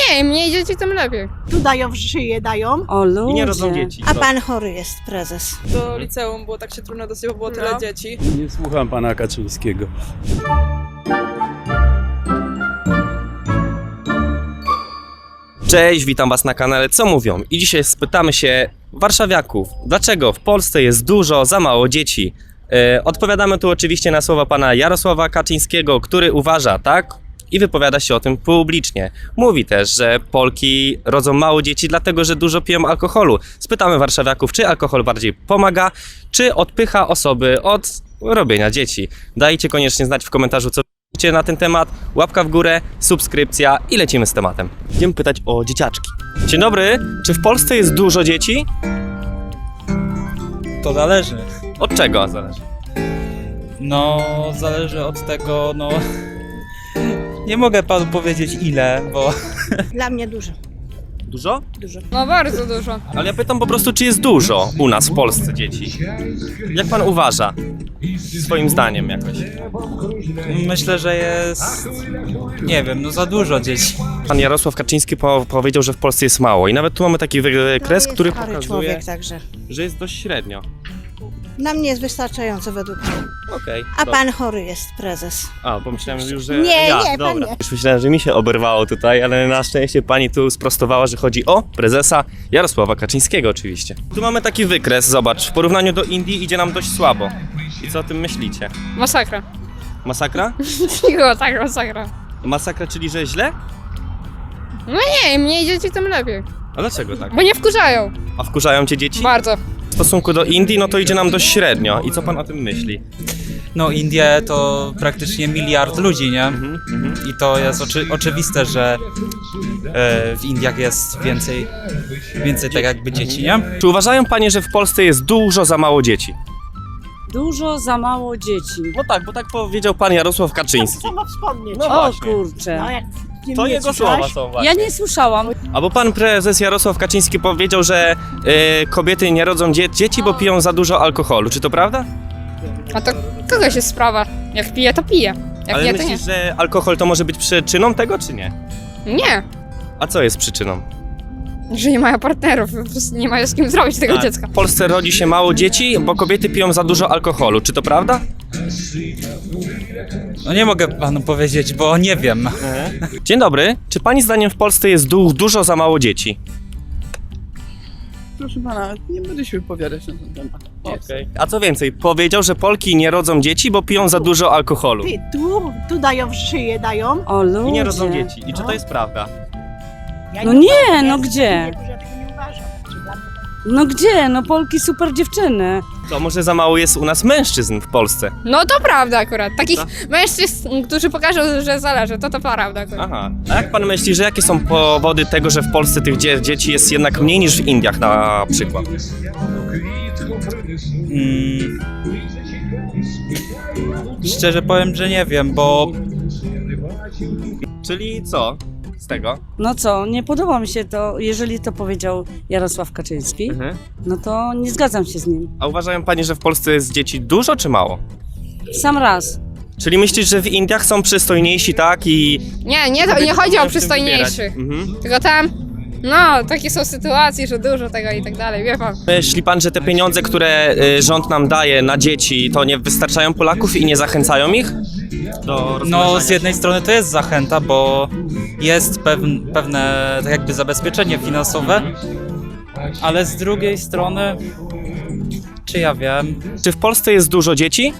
nie, im mniej dzieci, tym lepiej. Tu dają w szyję, dają. O ludzie. I nie rodzą dzieci. A pan chory jest, prezes. Do liceum było tak się trudno dosyć, bo było tyle dzieci. Nie słucham pana Kaczyńskiego. Cześć, witam was na kanale Co Mówią i dzisiaj spytamy się warszawiaków, dlaczego w Polsce jest dużo za mało dzieci. Odpowiadamy tu oczywiście na słowa pana Jarosława Kaczyńskiego, który uważa tak i wypowiada się o tym publicznie. Mówi też, że Polki rodzą mało dzieci dlatego, że dużo piją alkoholu. Spytamy warszawiaków, czy alkohol bardziej pomaga, czy odpycha osoby od robienia dzieci. Dajcie koniecznie znać w komentarzu, co na ten temat, łapka w górę, subskrypcja i lecimy z tematem. Idziemy pytać o dzieciaczki. Dzień dobry, czy w Polsce jest dużo dzieci? To zależy. Od czego zależy? No, zależy od tego, no... Nie mogę panu powiedzieć ile, bo... Dla mnie dużo. Dużo? Dużo. No bardzo dużo. Ale ja pytam po prostu, czy jest dużo u nas w Polsce dzieci? Jak pan uważa? Swoim zdaniem jakoś. Myślę, że jest... Nie wiem, no za dużo dzieci. Pan Jarosław Kaczyński powiedział, że w Polsce jest mało i nawet tu mamy taki wykres, No, który jest chory pokazuje, człowiek, także. że jest dość średnio. Dla mnie jest wystarczająco według mnie. Okej. A dobra. pan chory jest, prezes. A, pomyślałem już, że Nie, ja. nie, pan dobra. nie. Już myślałem, że mi się oberwało tutaj, ale na szczęście pani tu sprostowała, że chodzi o prezesa Jarosława Kaczyńskiego oczywiście. Tu mamy taki wykres, zobacz, w porównaniu do Indii idzie nam dość słabo. I co o tym myślicie? Masakra. Masakra? Cicho, tak, masakra. Masakra, czyli że źle? No nie, im mniej dzieci, tym lepiej. A dlaczego tak? Bo nie wkurzają. A wkurzają cię dzieci? Bardzo. W stosunku do Indii, no to idzie nam dość średnio. I co pan o tym myśli? No, Indie to praktycznie 1 miliard ludzi, nie? I to jest oczywiste, że w Indiach jest więcej tak jakby dzieci, nie? Czy uważają panie, że w Polsce jest dużo za mało dzieci? Dużo za mało dzieci. No tak, bo tak powiedział pan Jarosław Kaczyński. Co ma wspomnieć? No O właśnie. kurczę. jak To nie jego słyszałaś? słowa są właśnie. Ja nie słyszałam. Albo pan prezes Jarosław Kaczyński powiedział, że kobiety nie rodzą dzieci, bo piją za dużo alkoholu. Czy to prawda? A to kogoś jest sprawa. Jak pije, to pije. Jak Ale nie, to nie. myślisz, że alkohol to może być przyczyną tego, czy nie? Nie. A co jest przyczyną? Że nie mają partnerów, po prostu nie mają z kim zrobić tego Tak. dziecka. W Polsce rodzi się mało dzieci, bo kobiety piją za dużo alkoholu. Czy to prawda? No nie mogę panu powiedzieć, bo nie wiem. Dzień dobry. Czy pani zdaniem w Polsce jest dużo za mało dzieci? Proszę pana, nie będę się wypowiadać na ten temat. A co więcej, powiedział, że Polki nie rodzą dzieci, bo piją za dużo alkoholu. Ty, tu dają w szyję, dają. O ludzie. I nie rodzą dzieci. I czy to jest prawda? Ja No nie, uważam, no ja gdzie? Ja tego nie uważam. Czy dla mnie No gdzie? No Polki super dziewczyny. To może za mało jest u nas mężczyzn w Polsce. No to prawda akurat. Takich mężczyzn, którzy pokażą, że zależy, to prawda akurat. Aha. A jak pan myśli, że jakie są powody tego, że w Polsce tych dzieci jest jednak mniej niż w Indiach na przykład? Szczerze powiem, że nie wiem, bo... Czyli co z tego? No co, nie podoba mi się to, jeżeli to powiedział Jarosław Kaczyński, no to nie zgadzam się z nim. A uważają pani, że w Polsce jest dzieci dużo czy mało? Sam raz. Czyli myślisz, że w Indiach są przystojniejsi, tak? I Nie, to nie chodzi o w tym przystojniejszych. wybierać. Mhm. Tylko tam, no, takie są sytuacje, że dużo tego i tak dalej, wie pan. Myśli pan, że te pieniądze, które rząd nam daje na dzieci, to nie wystarczają Polaków i nie zachęcają ich do No, rozmnażania z jednej strony to jest zachęta, bo jest pewne tak jakby zabezpieczenie finansowe, ale z drugiej strony, czy ja wiem, Czy w Polsce jest dużo dzieci?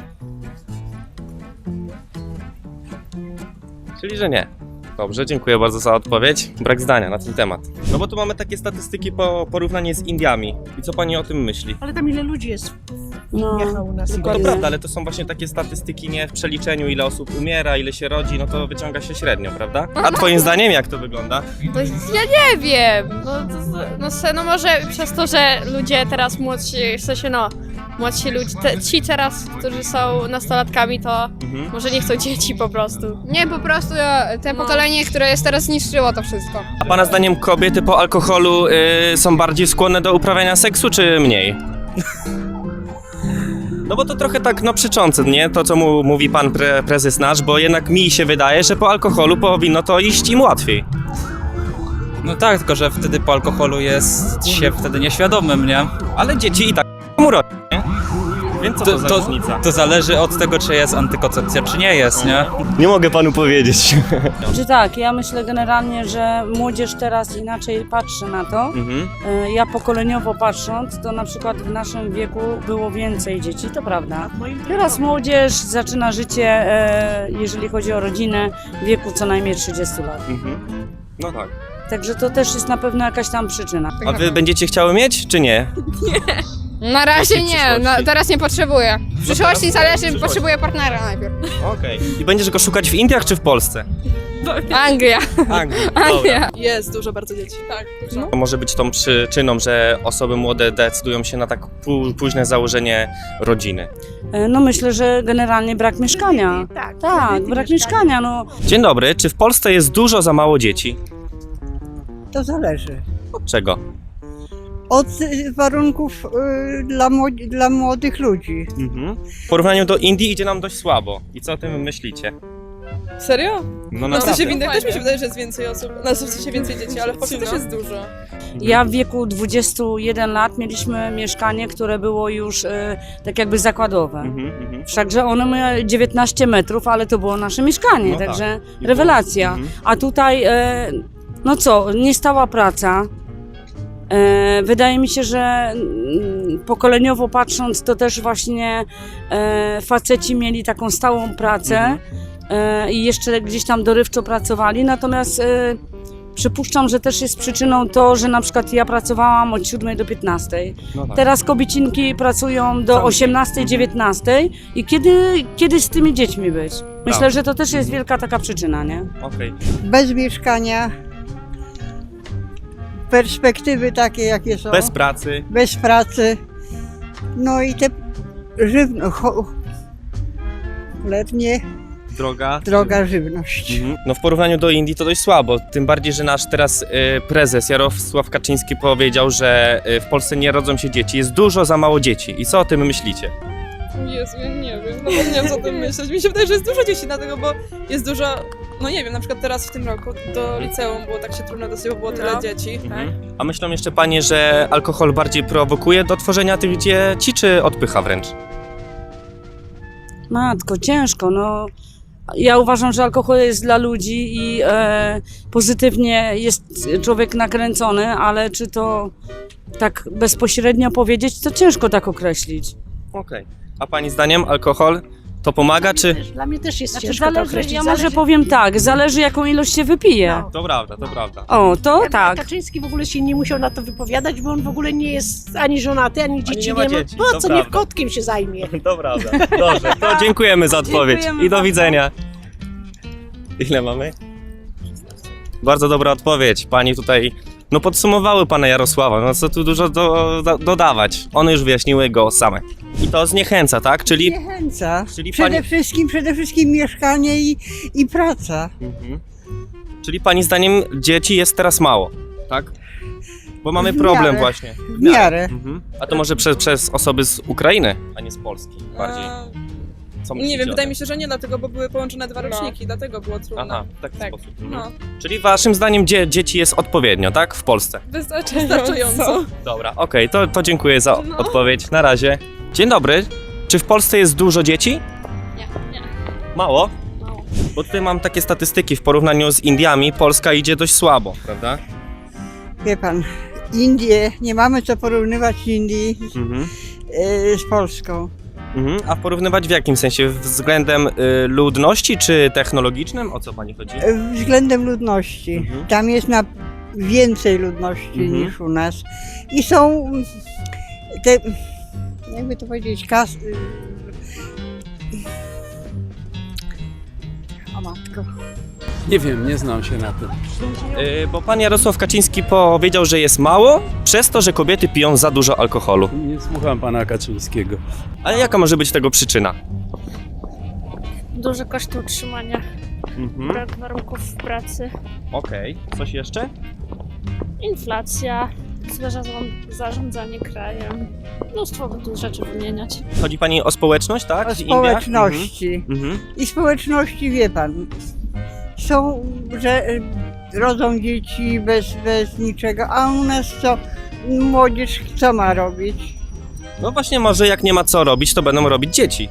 Czyli, że nie. Dobrze, dziękuję bardzo za odpowiedź. Brak zdania na ten temat. No bo tu mamy takie statystyki porównanie z Indiami. I co pani o tym myśli? Ale tam ile ludzi jest No, jechał u nas. No to dokładnie. prawda, ale to są właśnie takie statystyki nie w przeliczeniu, ile osób umiera, ile się rodzi, no to wyciąga się średnio, prawda? A twoim zdaniem jak to wygląda? No, ja nie wiem, no może przez to, że ludzie teraz młodsi, w sensie młodsi ludzie, ci teraz, którzy są nastolatkami, to może nie chcą dzieci po prostu. Nie, po prostu te pokolenie, które jest teraz zniszczyło to wszystko. A pana zdaniem kobiety po alkoholu są bardziej skłonne do uprawiania seksu, czy mniej? No bo to trochę tak, no przeczące, nie? To, co mówi pan prezes nasz, bo jednak mi się wydaje, że po alkoholu powinno to iść im łatwiej. No tak, tylko że wtedy po alkoholu jest się wtedy nieświadomym, nie? Ale dzieci i tak urodzą, nie? Więc co to za różnica? To zależy od tego, czy jest antykoncepcja, czy nie jest, nie? Nie mogę panu powiedzieć. Czy tak, ja myślę generalnie, że młodzież teraz inaczej patrzy na to. Mhm. Ja pokoleniowo patrząc, to na przykład w naszym wieku było więcej dzieci, to prawda. Teraz młodzież zaczyna życie, jeżeli chodzi o rodzinę, w wieku co najmniej 30 lat. Mhm. No tak. Także to też jest na pewno jakaś tam przyczyna. A wy będziecie chciały mieć, czy nie? Na razie Jakiej nie, przyszłości? teraz nie potrzebuję. W przyszłości teraz? zależy, Przyszłości. potrzebuję partnera najpierw. Okej. I będziesz go szukać w Indiach, czy w Polsce? Anglia. Anglii. Anglia. Jest dużo bardzo dzieci. Tak, dużo. To może być tą przyczyną, że osoby młode decydują się na tak późne założenie rodziny. No myślę, że generalnie brak mieszkania. Tak, Tak, kredyty, brak mieszkania, no. Dzień dobry, czy w Polsce jest dużo za mało dzieci? To zależy. Od czego? Od warunków dla młodych ludzi. Mhm. W porównaniu do Indii idzie nam dość słabo. I co o tym myślicie? Serio? No No w sensie w naprawdę. Indiach też mi się wydaje, że jest więcej osób. No w sensie więcej dzieci, ale w Polsce też jest dużo. Ja w wieku 21 lat mieliśmy mieszkanie, które było już tak jakby zakładowe. Mhm. Wszakże ono miało 19 metrów, ale to było nasze mieszkanie, No także I rewelacja. Mhm. A tutaj, no co, niestała praca. Wydaje mi się, że pokoleniowo patrząc, to też właśnie faceci mieli taką stałą pracę i jeszcze gdzieś tam dorywczo pracowali, natomiast przypuszczam, że też jest przyczyną to, że na przykład ja pracowałam od 7 do 15. No tak. Teraz kobiecinki pracują do Cały 18, 19 i kiedy z tymi dziećmi być? Myślę, Prawda. że to też jest wielka taka przyczyna, nie? Okej. Bez mieszkania. Perspektywy takie, jakie są. Bez pracy. Bez pracy. No i te letnie, droga żywność. Mhm. No w porównaniu do Indii to dość słabo, tym bardziej, że nasz teraz prezes Jarosław Kaczyński powiedział, że w Polsce nie rodzą się dzieci, jest dużo za mało dzieci. I co o tym myślicie? Jezu, ja nie wiem, no nie wiem co o tym myśleć. Mi się wydaje, że jest dużo dzieci, dlatego, bo jest dużo, no nie wiem, na przykład teraz w tym roku do liceum było tak się trudno dosyć, bo było tyle dzieci. A myślą jeszcze panie, że alkohol bardziej prowokuje do tworzenia tych dzieci, czy odpycha wręcz? Matko, ciężko, no. Ja uważam, że alkohol jest dla ludzi i pozytywnie jest człowiek nakręcony, ale czy to tak bezpośrednio powiedzieć, to ciężko tak określić. Okej. A pani zdaniem alkohol to pomaga, czy... Dla mnie też jest Znaczy, ciężko to zależy, określić. ja może powiem tak, zależy jaką ilość się wypije. No. To prawda, to prawda. O, to tak. Kaczyński w ogóle się nie musiał na to wypowiadać, bo on w ogóle nie jest ani żonaty, ani dzieci nie ma nie ma. dzieci, Po to co prawda. niech kotkiem się zajmie? To prawda. Dobrze, to dziękujemy za odpowiedź Dziękujemy i do bardzo. widzenia. Ile mamy? Bardzo dobra odpowiedź. Pani tutaj, no podsumowały pana Jarosława, no co tu dużo dodawać. One już wyjaśniły go same. I to zniechęca, tak? Czyli Zniechęca. Czyli Przede wszystkim mieszkanie i praca. Mhm. Czyli pani zdaniem dzieci jest teraz mało, tak? Bo mamy W problem miarę. właśnie. W miarę. Mhm. A to może przez osoby z Ukrainy, a nie z Polski bardziej. Co Nie myślicie wiem, o wydaje tym? mi się, że nie, dlatego, bo były połączone dwa roczniki, dlatego było trudno. Aha, w taki Tak. sposób. Mhm. No, Czyli waszym zdaniem dzieci jest odpowiednio, tak? W Polsce. wystarczająco. Dobra, okej, to dziękuję za No. odpowiedź. Na razie. Dzień dobry. Czy w Polsce jest dużo dzieci? Nie. Mało? Bo tutaj mam takie statystyki, w porównaniu z Indiami Polska idzie dość słabo, prawda? Wie pan, Indie, nie mamy co porównywać Indii Mhm. z Polską. Mhm. A porównywać w jakim sensie? Względem ludności czy technologicznym? O co pani chodzi? Względem ludności. Mhm. Tam jest więcej ludności Mhm. niż u nas. I są te, jakby to powiedzieć, o matko. Nie wiem, nie znam się na tym. Bo pan Jarosław Kaczyński powiedział, że jest mało, przez to, że kobiety piją za dużo alkoholu. Nie słucham pana Kaczyńskiego. Ale jaka może być tego przyczyna? Duże koszty utrzymania, Mhm. brak warunków pracy, Okej. Coś jeszcze? inflacja, złe zarządzanie krajem. Mnóstwo by tu rzeczy wymieniać. Chodzi pani o społeczność, tak? O w Indiach? społeczności. Mhm. I społeczności, wie pan, są, że rodzą dzieci bez niczego, a u nas co? Młodzież co ma robić? No właśnie, może jak nie ma co robić, to będą robić dzieci.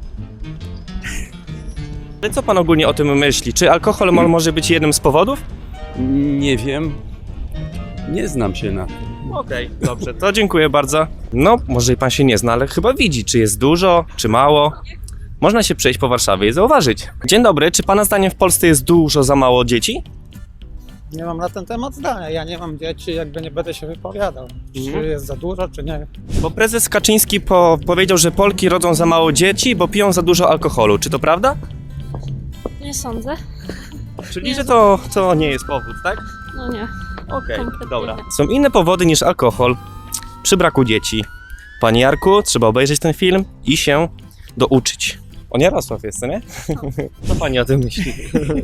Ale co pan ogólnie o tym myśli? Czy alkohol może być jednym z powodów? Nie wiem. Nie znam się na tym. Okej, dobrze, to dziękuję bardzo. No, może i pan się nie zna, ale chyba widzi, czy jest dużo, czy mało. Można się przejść po Warszawie i zauważyć. Dzień dobry, czy pana zdaniem w Polsce jest dużo za mało dzieci? Nie mam na ten temat zdania. Ja nie mam dzieci, jakby nie będę się wypowiadał. Czy jest za dużo, czy nie. Bo prezes Kaczyński powiedział, że Polki rodzą za mało dzieci, bo piją za dużo alkoholu. Czy to prawda? Nie sądzę. Czyli, że to nie jest powód, tak? No nie. Okej, Kompletnie dobra. nie. Są inne powody niż alkohol przy braku dzieci. Panie Jarku, trzeba obejrzeć ten film i się douczyć. On Jarosław jest, co nie? Co pani o tym myśli?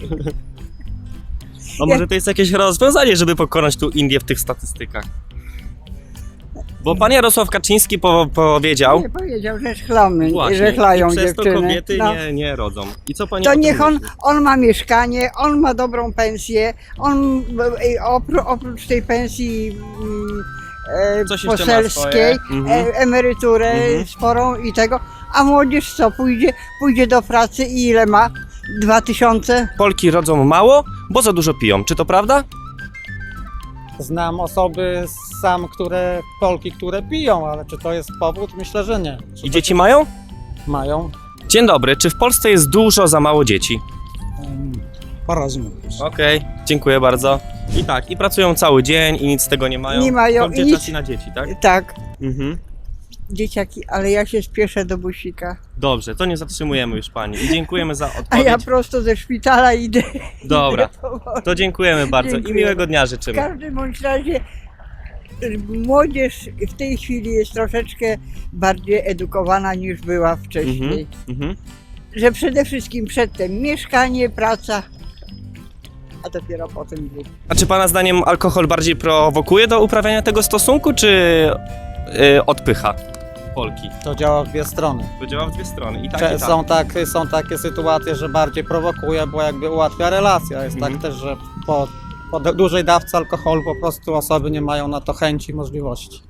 No może to jest jakieś rozwiązanie, żeby pokonać tu Indię w tych statystykach. Bo pan Jarosław Kaczyński powiedział, Nie powiedział, że chlamy, właśnie, że chlają i przez to dziewczyny. kobiety No. nie rodzą. I co pani o To tym niech myśli? on ma mieszkanie, on ma dobrą pensję, on oprócz tej pensji Coś jeszcze ma poselskiej, swoje. Mhm. emeryturę Mhm. sporą i tego, a młodzież co, pójdzie do pracy i ile ma? 2000? Polki rodzą mało, bo za dużo piją. Czy to prawda? Znam osoby Polki, które piją, ale czy to jest powód? Myślę, że nie. I dzieci mają? Mają. Dzień dobry, czy w Polsce jest dużo za mało dzieci? Po-razu. Okej, dziękuję bardzo. I tak, i pracują cały dzień i nic z tego nie mają. Nie mają Kończy i nic. czas i na dzieci, tak? Tak, Mhm. dzieciaki, ale ja się spieszę do busika. Dobrze, to nie zatrzymujemy już pani i dziękujemy za A odpowiedź. ja prosto ze szpitala idę. Dobra, idę powoli. to dziękujemy bardzo Dziękuję. i miłego dnia W życzymy. każdym bądź razie młodzież w tej chwili jest troszeczkę bardziej edukowana niż była wcześniej. Mhm. Że przede wszystkim przedtem mieszkanie, praca, a dopiero potem dzieci. A czy pana zdaniem alkohol bardziej prowokuje do uprawiania tego stosunku, czy odpycha Polki? To działa w dwie strony. To działa w dwie strony. I tak, i tak. Są takie sytuacje, że bardziej prowokuje, bo jakby ułatwia relacje. Jest tak też, że po dużej dawce alkoholu po prostu osoby nie mają na to chęci i możliwości.